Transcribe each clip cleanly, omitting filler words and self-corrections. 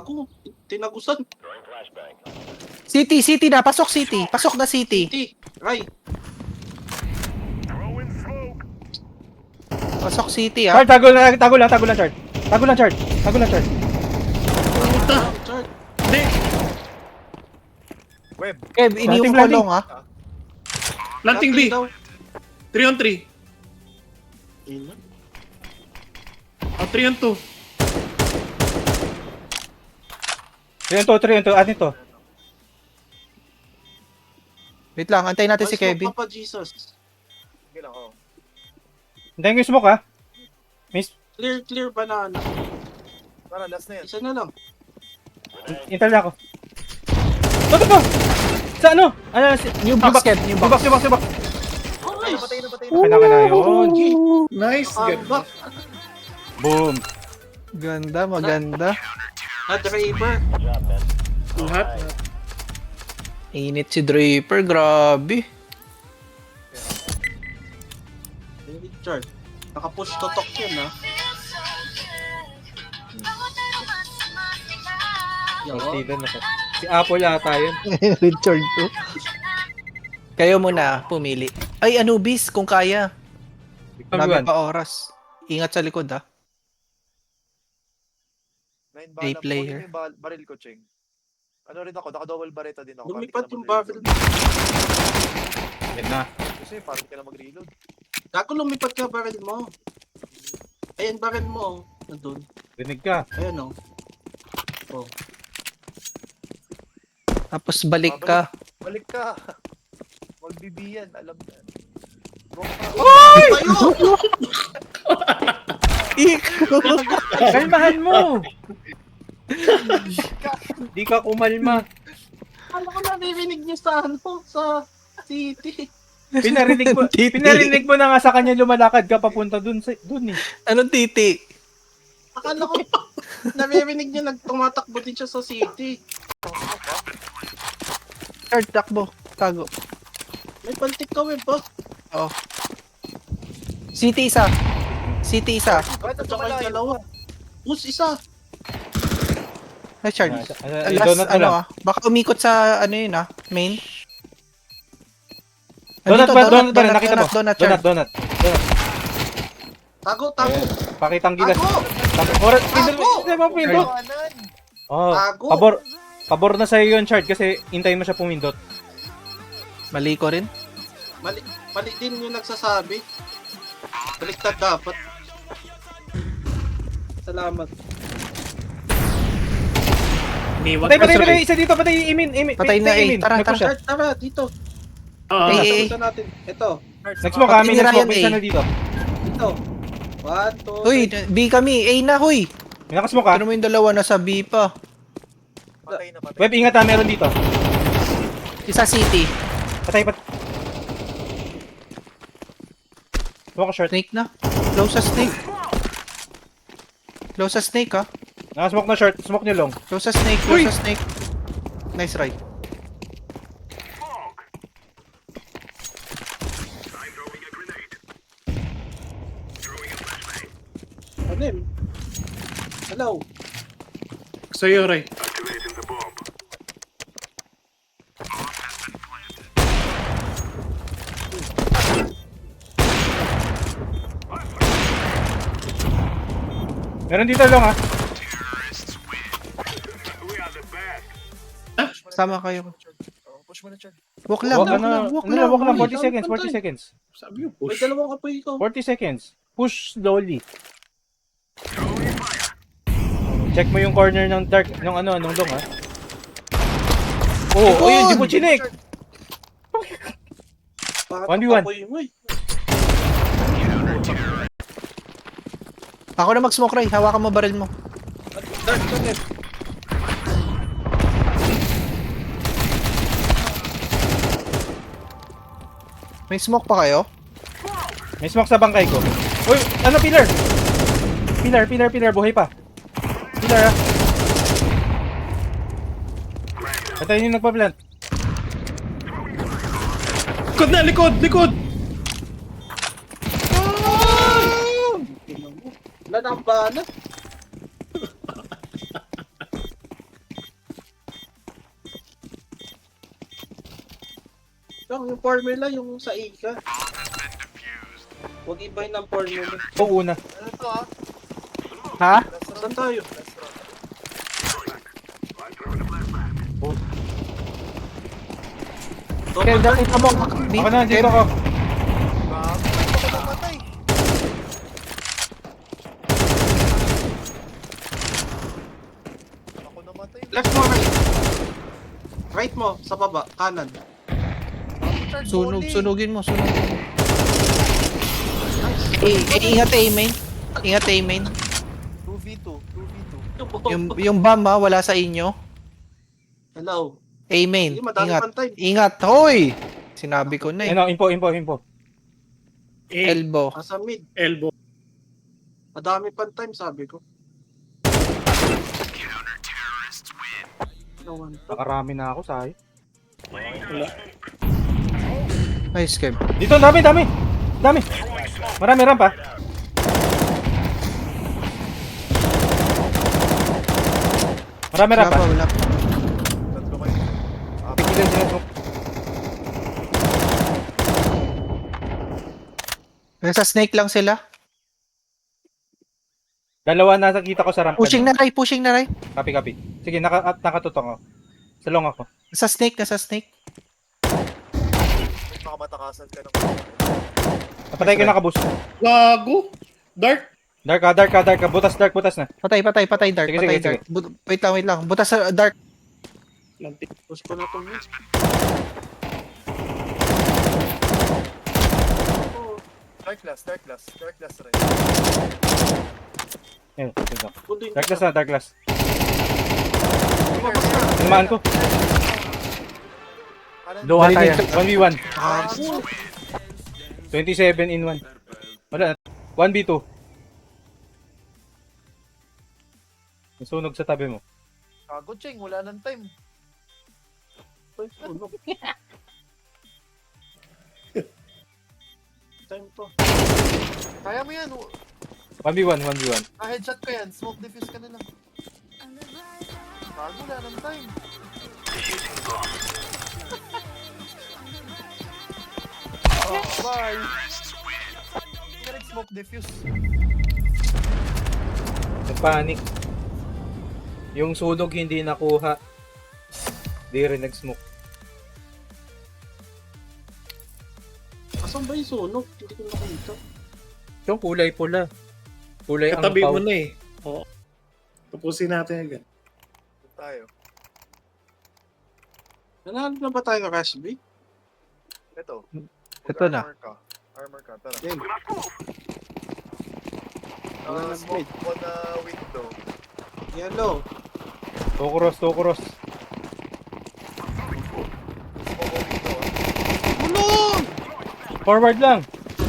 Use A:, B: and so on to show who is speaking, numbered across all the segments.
A: Gago. Tinagusan.
B: City na. Pasok city. Pasok na city.
A: City. Ray.
B: Pasok city ah.
C: Chard, tago lang, Chard. Tago lang, Chard.
A: Chart.
D: Hindi.
E: Web.
B: Kev, iniwan ko
C: Planting.
B: long ah.
D: Planting B.
A: daw.
D: 3 on 3.
A: Ina.
D: 3 on 2.
C: 3 on 2. Atin to.
B: Wait lang, antayin natin si
A: Mas
B: Kevin.
A: Papa Jesus.
E: Sige lang, oh.
C: Hintayin ko yung smoke, ha? Miss,
A: Clear banana.
E: Tara, last na yan.
A: Isa na lang.
C: intel na ako. Toto po! Sa ano?
B: New box, Kev. New box.
C: New box.
A: Nice.
E: Patay na.
C: Kailangan na yun.
D: Nice. Good.
C: Boom.
B: Ganda, maganda.
A: Draper.
D: Lahat.
B: Init si Draper, grabe.
A: Chart. Naka-push totok yan ah.
C: Steven ako. Si Apple ata yun.
B: Richard to. Kayo muna, pumili. Ay, Anubis, kung kaya. Dami pa oras. Ingat sa likod ah.
E: 9
B: A
E: bala.
B: player.
E: Kunin mo yung baril ko, Cheng. Ano rin ako, naka-double barreta din ako.
A: Lumipad
E: Parang
A: yung
E: di ka na mag-reload.
A: barrel.
C: Yan na.
E: Kasi parang di ka na mag-reload.
A: Gago lumipad ka barrel mo. Ayan barrel mo oh. Nandun.
C: Rinig ka.
A: Ayan oh. Oh.
B: Tapos balik ka.
E: Balik ka. Magbibiyan, alam na.
C: Kalmahan mo! Di ka kumalma.
A: Ano ko naririnig niyo sa ano? Sa city.
C: Pinarinig mo na nga sa kanya lumalakad ka papunta dun eh.
B: Anong titi?
A: Akala ko naririnig niyo nagtumatakbo din siya sa city.
B: Third takbo. Tago.
A: May pantik ka web ba?
B: Oh. City isa.
E: Bakit
A: At
E: ang
A: saka yung
E: malayo?
A: dalawa. Push isa.
B: Richard.
C: Yung
B: Last
C: donut na lang.
B: ano ah. Baka umikot sa ano yun ah. Main.
C: Donut ba? Donut ba? Nakita mo?
B: Donut, Chard.
C: Donut.
A: Tago.
C: Pakitang gilas.
A: Tago.
C: Oras,
A: Tago!
C: hindi mo pindot.
E: Iwanan.
C: Oh,
A: Tago.
C: pabor na sa'yo yun, Chard, kasi hintayin mo siya pumindot.
B: Mali ko rin.
A: Mali din yung nagsasabi. Baliktad dapat. Salamat.
D: Iniwan.
C: Patay, isa dito, patay, Imin.
B: Patay na,
C: Imin.
B: tara.
C: Nag-push siya.
A: Tara, dito.
D: Oo.
B: Eh,
A: Tapusan natin. Ito.
C: Nag-smoke kami,
B: Patay ni Ryan,
C: nag-smoke, isa
B: eh.
C: na dito.
A: Ito. 1, 2,
B: Uy, B kami. A na, huy.
C: May nakasmoke ka.
B: Ano mo yung dalawa nasa B pa?
E: Patay na.
C: Web, ingat ha, meron dito.
B: Isa city.
C: Patay. Smoke ka short.
B: Snake na. Close sa snake ah.
C: Nakasmoke na short, smoke nyo long.
B: Close sa snake. Nice right.
A: Ano yun? Hello.
D: Sa'yo, Ray.
C: Meron dito long ha.
B: Sama kayo.
E: Oh, push mo na, Chad.
B: Walk lang.
C: Walk lang, 40 seconds, 40 seconds.
D: Sabi yung
A: May
D: push.
A: dalawang kapoy ko.
C: 40 seconds. Push slowly. Check mo yung corner ng dark, nung long ha. Oh, yun, di mo chinek.
A: Bakit
C: 1v1.
A: kapoy mo eh?
B: Ako na mag-smoke, Ray. Hawakan mo baril mo.
A: Dark ka net.
B: May smoke pa kayo?
C: May smoke sa bangkay ko. Uy, ano pillar? Pillar, buhay pa. Pillar ha. Patayin yung nagpa-plant.
D: Likod!
A: Wala na ang bala. Lang, yung formula, yung sa Ika. Huwag iba yun ang formula.
C: Ito una.
E: Ano to ah?
B: Ha?
E: Last round.
A: Saan tayo?
E: Last round.
B: Kev, nakita mo.
C: Ako na, dito ako.
E: Bago. Ako namatay. Ako namatay.
A: Left mo, right. Right mo, sa baba, kanan.
B: Sunugin mo. Ingat A main. Ingat A main.
E: 2v2. 2v2.
B: Yung bomb ha, wala sa inyo.
A: Hello.
B: A main.
A: Hindi, madami
B: Ingat.
A: pang time.
B: Ingat. Hoy! Sinabi ko na eh.
C: Ano, info.
B: Elbow.
A: Nasa mid.
D: Elbow.
A: Madami pang time, sabi ko. Nawan to.
C: Nakarami na ako, sayo.
B: Nice, Kev.
C: Dito, dami. Marami ramp ah. Marami ramp ah.
B: Wala pa.
E: Tatlo kayo.
C: Pigilan sila smoke.
B: Nasa snake lang sila.
C: Dalawa na nakita ko sa ramp.
B: Pushing na Ray.
C: Copy. Sige, nakatutok ako. Sa long ako.
B: Nasa snake.
E: Makamatakasan ka ng
C: Napatay ko nakaboost.
D: Gago. Dark.
C: Dark ka. Butas na.
B: Patay, dark.
C: Sige,
B: Patay,
C: sige,
B: dark. Wait lang. Butas sa dark.
D: Lantik.
A: Push ko na to mid.
E: Dark glass rin.
C: Ayun, ito.
A: Pundo yun.
C: Dark glass.
A: Lumabas na.
C: Tinamaan ko.
E: Kanan.
C: Doha tayo. 1v1.
A: Ah,
C: 27 in 1. Wala na. 1v2. Nasunog sa tabi mo.
E: Kago, Cheng. Wala nang time.
A: sunog. Time to.
E: Kaya mo yan.
C: 1v1.
E: Headshot ko yan. Smoke defuse ka na lang. Kago, wala nang time. Oh, bye. Hindi ka nag-smoke defuse.
C: Nagpanic. Yung sunog hindi nakuha. Di rin nag-smoke.
A: Asan ba yung sunog? Hindi ko nakita.
C: Yung kulay pula. Kulay ang
D: Katabi
C: pau.
D: mo na eh. Oo. Tapusin natin agad.
E: Doon tayo.
A: Nanalo na ba tayo ng Rush B?
E: Ito.
B: Ito na.
E: Armor ka. Tara.
A: Game. Wala nang
E: Smoke on the window.
A: Yellow.
C: Tokuros.
E: Smoke on window.
A: Tulong!
C: Forward lang.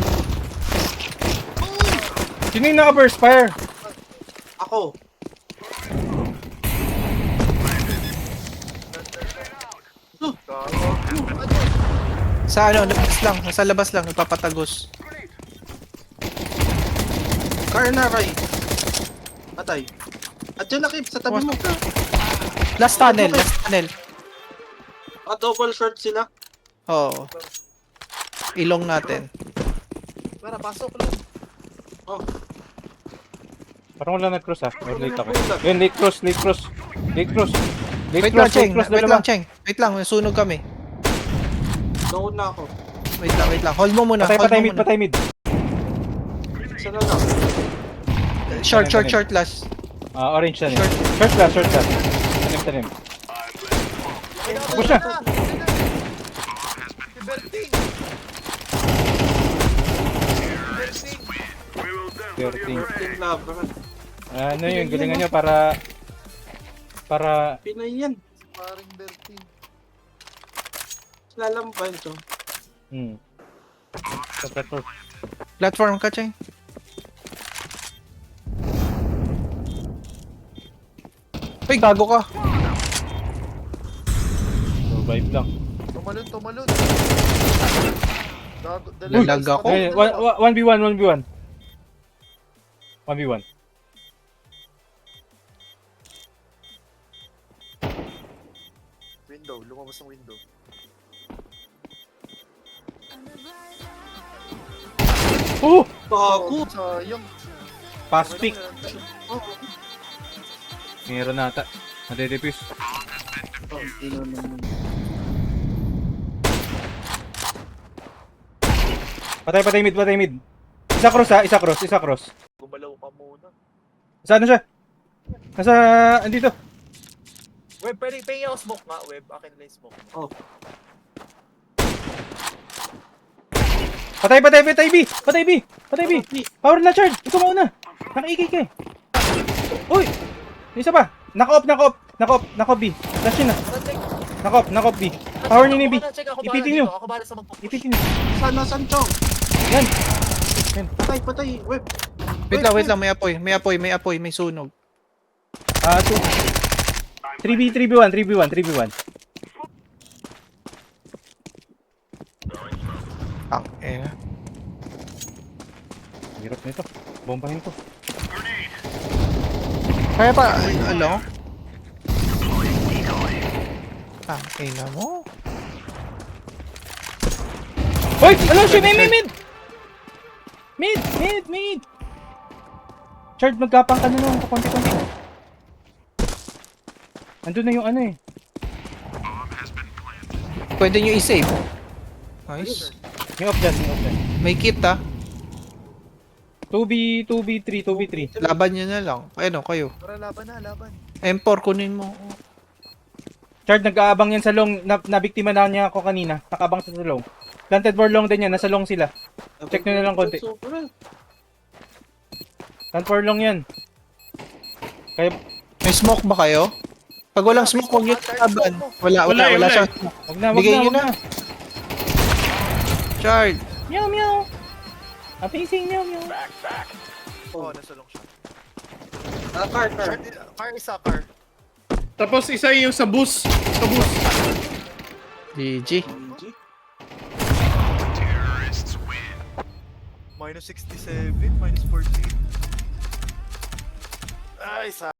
C: Sino yung naka-burst fire?
A: Ako.
E: Gago.
B: Sa labas lang. Nasa labas lang. Nagpapatagos.
A: Car na, Ray. Patay. At dyan na, Kip, sa tabi mo.
B: Last tunnel.
A: Double short sila.
B: Oo. Ilong natin.
E: Tara, pasok lang.
A: Oh,
C: Parang wala nag-cross ah. Or late ako. Yun, late cross.
B: Wait lang, Cheng. Wait lang, sunog kami.
A: down na ako.
B: Wait lang. Hold mo muna.
C: Patay mid.
A: Isa na lang.
B: Short last.
C: Orange na niya. Short class. Tanim. Push na.
E: Si Berting.
C: 13.
A: Team laban.
C: Ano yun, galingan nyo para
A: Pinay yan.
E: Paring Berting.
A: Lalampan to.
C: sa platform.
B: Platform ka, Cheng. Uy, gago ka.
C: Survive lang.
E: Tumalon.
B: Uy, lag ako.
C: 1v1.
E: Window, lumabas ng window.
C: Oh!
A: Bago.
E: Sayang.
C: Pass pick.
A: Oh,
C: Meron nata. Nadedefuse.
A: ino naman.
C: Patay mid, patay mid. Isa cross ha, isa cross.
E: Gumalaw ka muna.
C: Saan na siya? Nasa, andito.
E: Web, pwede pingin ako smoke nga. Web, akin na yung smoke.
A: Oh,
C: Patay B. Power na charge. Ikaw mauna. Naka-AK ka eh. Uy! Yung isa pa. Naka-off B. Flash yun na. Naka-off B. Power niyo ni B. Ipitin nyo.
E: Ako bahala sa mag-push.
C: Ipitin nyo.
A: Saan, Chong?
C: Yan.
A: Patay, web.
B: Wait lang, may apoy, may sunog.
C: 3v1. Hirap nito. Bombahin ko.
B: Kaya pa, ano? Mo?
C: Hoy! Ano siya? Mid! Chard, magkapang ka na lang. Konti-konti. Andun na yung ano eh.
B: Pwede nyo i-save. Nice.
C: Yung off dyan.
B: May kit ah.
C: 2v3.
B: Laban nyo na lang. Ano, kayo.
E: Tara, laban.
B: M4, kunin mo.
C: Chard, nag-aabang yan sa long. Nabiktima na niya ako kanina. Nakaabang sa long. Planted for long din yan. Nasa long sila. Check nyo na lang konti. Planted for long yan. Kaya,
B: May smoke ba kayo? Pag walang smoke, huwag yung laban. Wala siyang smoke.
C: wag na.
B: Bigay nyo na. Chard.
C: Meow. Amazing meow.
E: Oh, nasa long siya.
A: Car.
E: Car isa, car.
D: Tapos isa yung sa bus.
B: GG.
E: Minus 67, minus 14. Ay, sa